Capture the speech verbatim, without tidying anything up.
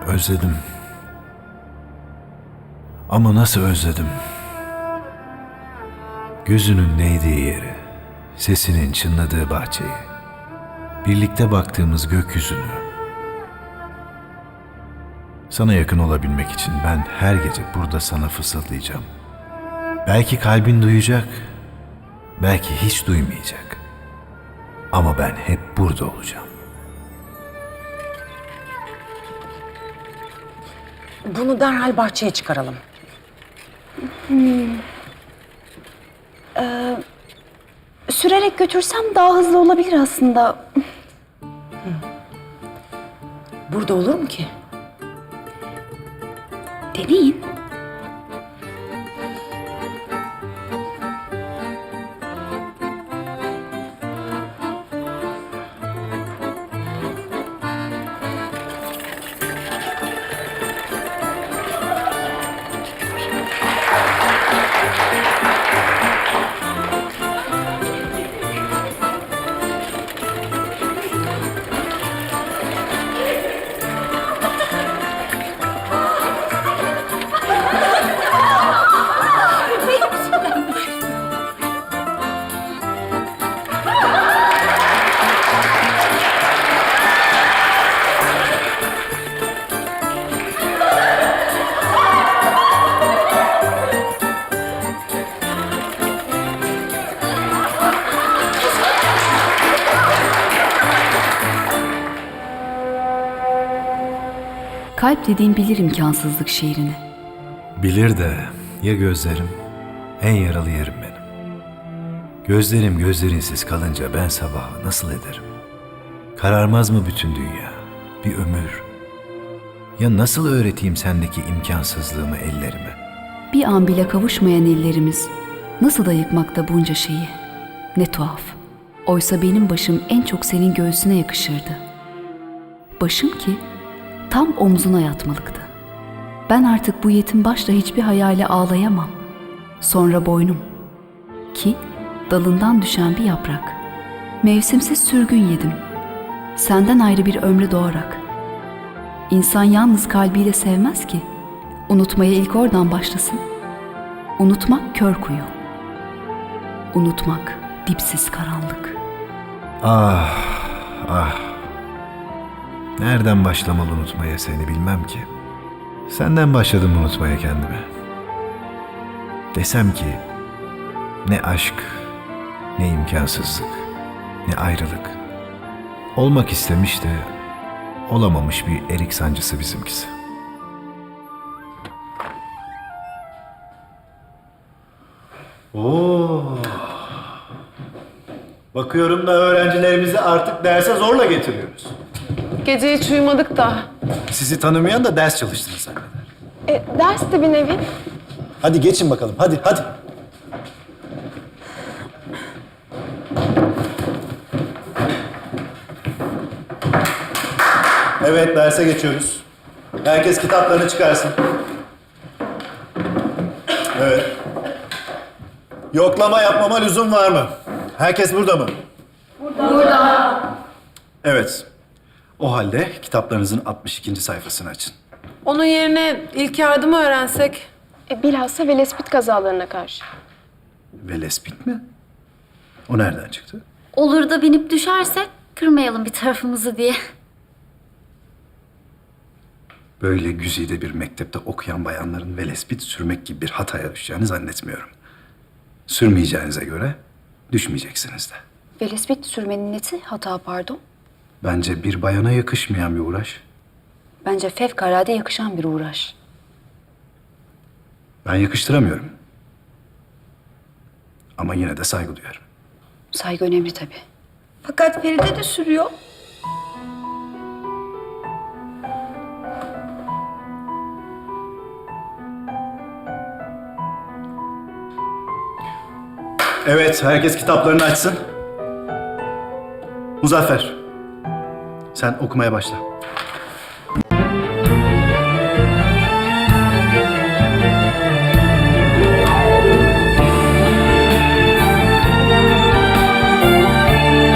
Özledim. Ama nasıl özledim? Gözünün değdiği yeri, sesinin çınladığı bahçeyi, birlikte baktığımız gökyüzünü. Sana yakın olabilmek için ben her gece burada sana fısıldayacağım. Belki kalbin duyacak, belki hiç duymayacak. Ama ben hep burada olacağım. Bunu derhal bahçeye çıkaralım. Hmm. Ee, sürerek götürsem daha hızlı olabilir aslında. Burada olur mu ki? Deneyin. Kalp dediğim bilir imkansızlık şiirini. Bilir de ya gözlerim, en yaralı yerim benim. Gözlerim gözlerinsiz kalınca ben sabahı nasıl ederim? Kararmaz mı bütün dünya, bir ömür? Ya nasıl öğreteyim sendeki imkansızlığımı ellerime? Bir an bile kavuşmayan ellerimiz nasıl da yıkmakta bunca şeyi. Ne tuhaf. Oysa benim başım en çok senin göğsüne yakışırdı. Başım ki tam omzuna yatmalıktı. Ben artık bu yetim başla hiçbir hayale ağlayamam. Sonra boynum ki dalından düşen bir yaprak. Mevsimsiz sürgün yedim. Senden ayrı bir ömre doğarak. İnsan yalnız kalbiyle sevmez ki. Unutmaya ilk oradan başlasın. Unutmak kör kuyu. Unutmak dipsiz karanlık. Ah, ah. Nereden başlamalı unutmaya seni bilmem ki. Senden başladım unutmaya kendimi. Desem ki ne aşk, ne imkansızlık, ne ayrılık. Olmak istemiş de olamamış bir erik sancısı bizimkisi. Oo. Bakıyorum da öğrencilerimizi artık derse zorla getiriyoruz. Gece hiç uyumadık da. Sizi tanımayan da ders çalıştınız zanneder. E, ders de bir nevi. Hadi geçin bakalım, hadi, hadi. Evet, derse geçiyoruz. Herkes kitaplarını çıkarsın. Evet. Yoklama yapmama lüzum var mı? Herkes burada mı? Burada. Evet. O halde kitaplarınızın altmış ikinci sayfasını açın. Onun yerine ilk yardımı öğrensek. E, bilhassa velespit kazalarına karşı. Velespit mi? O nereden çıktı? Olur da binip düşersek kırmayalım bir tarafımızı diye. Böyle güzide bir mektepte okuyan bayanların velespit sürmek gibi bir hataya düşeceğini zannetmiyorum. Sürmeyeceğinize göre düşmeyeceksiniz de. Velespit sürmenin neti hata pardon. Bence bir bayana yakışmayan bir uğraş. Bence fevkalade yakışan bir uğraş. Ben yakıştıramıyorum. Ama yine de saygı duyarım. Saygı önemli tabii. Fakat Feride de sürüyor. Evet, herkes kitaplarını açsın. Muzaffer, sen okumaya başla.